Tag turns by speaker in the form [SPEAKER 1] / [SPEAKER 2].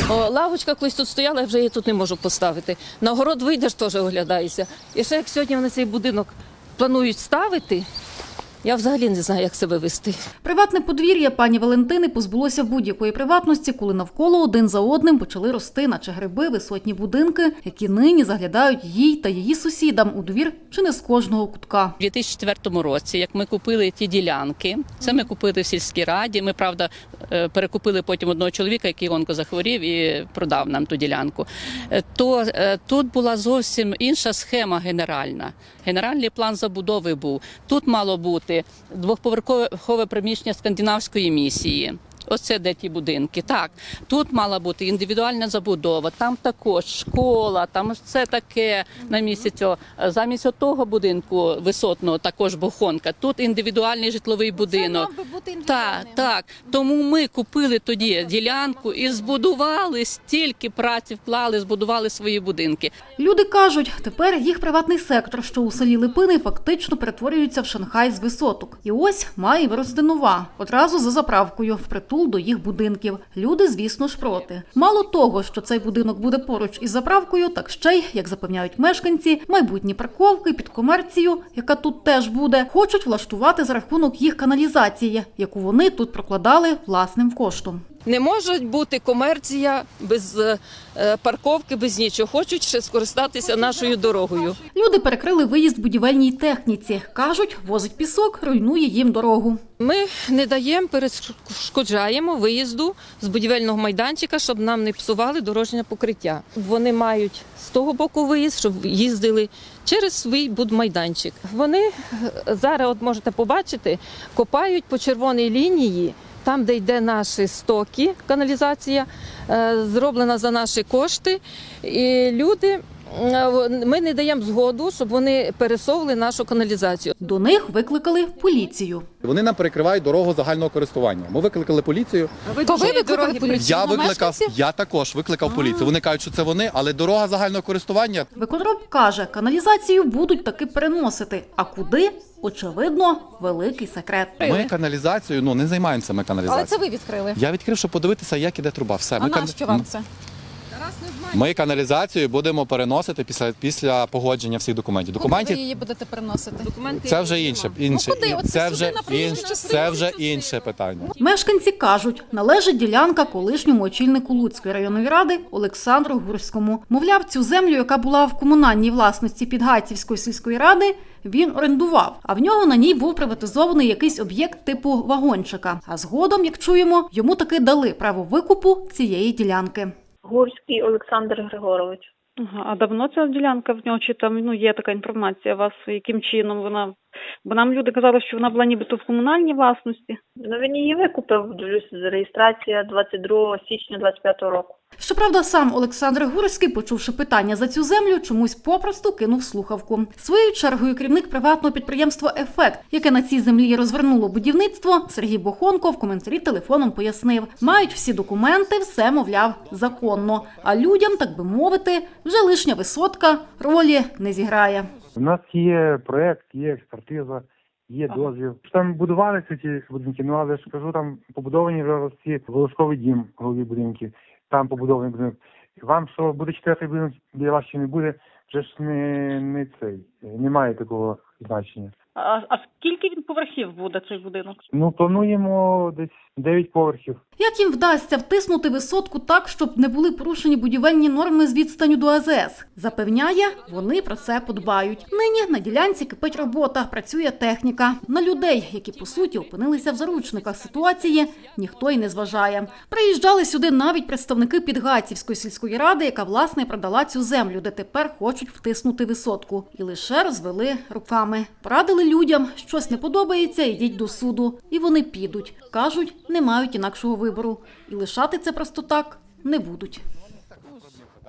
[SPEAKER 1] Лавочка колись тут стояла, я вже її тут не можу поставити. На город вийдеш, теж оглядаєшся. І ще як сьогодні вони цей будинок планують ставити, я взагалі не знаю, як себе вести.
[SPEAKER 2] Приватне подвір'я пані Валентини позбулося будь-якої приватності, коли навколо один за одним почали рости, наче гриби, висотні будинки, які нині заглядають їй та її сусідам у двір чи не з кожного кутка.
[SPEAKER 3] У 2004 році, як ми купили ті ділянки, це ми купили в сільській раді, ми, правда, перекупили потім одного чоловіка, який онкозахворів і продав нам ту ділянку, то тут була зовсім інша схема генеральна. Генеральний план забудови був. Тут мало бути двохповерхове приміщення скандинавської місії. Оце де ті будинки. Так, тут мала бути індивідуальна забудова, там також школа, там все таке на місці цього. Замість того будинку висотного, також бухонка, тут індивідуальний житловий будинок.
[SPEAKER 4] Це мав би бути індивідуальним.
[SPEAKER 3] Так. Тому ми купили тоді ділянку і збудували, стільки праці вклали, збудували свої будинки.
[SPEAKER 2] Люди кажуть, тепер їх приватний сектор, що у селі Липини, фактично перетворюється в Шанхай з висоток. І ось має вирости нова, одразу за заправкою, впритул до їх будинків. Люди, звісно ж, проти. Мало того, що цей будинок буде поруч із заправкою, так ще й, як запевняють мешканці, майбутні парковки під комерцію, яка тут теж буде, хочуть влаштувати за рахунок їх каналізації, яку вони тут прокладали власним коштом.
[SPEAKER 1] Не може бути комерція без парковки, без нічого. Хочуть ще скористатися нашою дорогою.
[SPEAKER 2] Люди перекрили виїзд будівельній техніці. Кажуть, возить пісок, руйнує їм дорогу.
[SPEAKER 1] Ми не даємо, перешкоджаємо виїзду з будівельного майданчика, щоб нам не псували дорожнє покриття. Вони мають з того боку виїзд, щоб їздили через свій будмайданчик. Вони зараз, от можете побачити, копають по червоній лінії, там, де йде наші стоки, каналізація, зроблена за наші кошти. І люди, ми не даємо згоду, щоб вони пересовували нашу каналізацію.
[SPEAKER 2] До них викликали поліцію.
[SPEAKER 5] Вони нам перекривають дорогу загального користування. Ми викликали поліцію.
[SPEAKER 4] То ви викликали поліцію?
[SPEAKER 5] Я також викликав поліцію. Вони кажуть, що це вони, але дорога загального користування.
[SPEAKER 2] Виконроб каже, каналізацію будуть таки переносити. А куди? Очевидно, великий секрет.
[SPEAKER 5] Ми каналізацією, не займаємося ми каналізацією.
[SPEAKER 4] Але це ви відкрили.
[SPEAKER 5] Я відкрив, щоб подивитися, як іде труба. Все.
[SPEAKER 4] А нащо вам це?
[SPEAKER 5] Ми каналізацію будемо переносити після погодження всіх документів.
[SPEAKER 4] Куди ви її будете переносити?
[SPEAKER 5] Це вже інше.
[SPEAKER 4] куди? От
[SPEAKER 5] Це вже інше питання.
[SPEAKER 2] Мешканці кажуть, належить ділянка колишньому очільнику Луцької районної ради Олександру Гурському. Мовляв, цю землю, яка була в комунальній власності Підгайцівської сільської ради, він орендував, а в нього на ній був приватизований якийсь об'єкт типу вагончика. А згодом, як чуємо, йому таки дали право викупу цієї ділянки.
[SPEAKER 6] Гурський Олександр Григорович.
[SPEAKER 7] А давно ця ділянка в нього, чи там є така інформація у вас, яким чином вона? Бо нам люди казали, що вона була нібито в комунальній власності.
[SPEAKER 6] Він її викупив, дивлюся, реєстрація 22 січня 25 року.
[SPEAKER 2] Щоправда, сам Олександр Гурський, почувши питання за цю землю, чомусь попросту кинув слухавку. Своєю чергою керівник приватного підприємства «Ефект», яке на цій землі розвернуло будівництво, Сергій Бохонко в коментарі телефоном пояснив. Мають всі документи, все, мовляв, законно. А людям, так би мовити, вже лишня висотка ролі не зіграє.
[SPEAKER 8] У нас є проєкт, є експертиза, є дозвіл. Там будувалися ці будинки, але ж кажу, там побудовані вже ці волошковий дім, голові будинків. Там побудований будинок. Вам що буде четвертий будинок, для вас ще не буде, вже ж не цей, немає такого значення.
[SPEAKER 7] А скільки він поверхів буде, цей будинок?
[SPEAKER 8] Плануємо десь 9 поверхів.
[SPEAKER 2] Як їм вдасться втиснути висотку так, щоб не були порушені будівельні норми з відстаню до АЗС? Запевняє, вони про це подбають. Нині на ділянці кипить робота, працює техніка. На людей, які, по суті, опинилися в заручниках ситуації, ніхто й не зважає. Приїжджали сюди навіть представники Підгайцівської сільської ради, яка, власне, продала цю землю, де тепер хочуть втиснути висотку. І лише розвели руками. Порадили людям, щось не подобається, йдіть до суду. І вони підуть. Кажуть, не мають інакшого вибору. І лишати це просто так не будуть.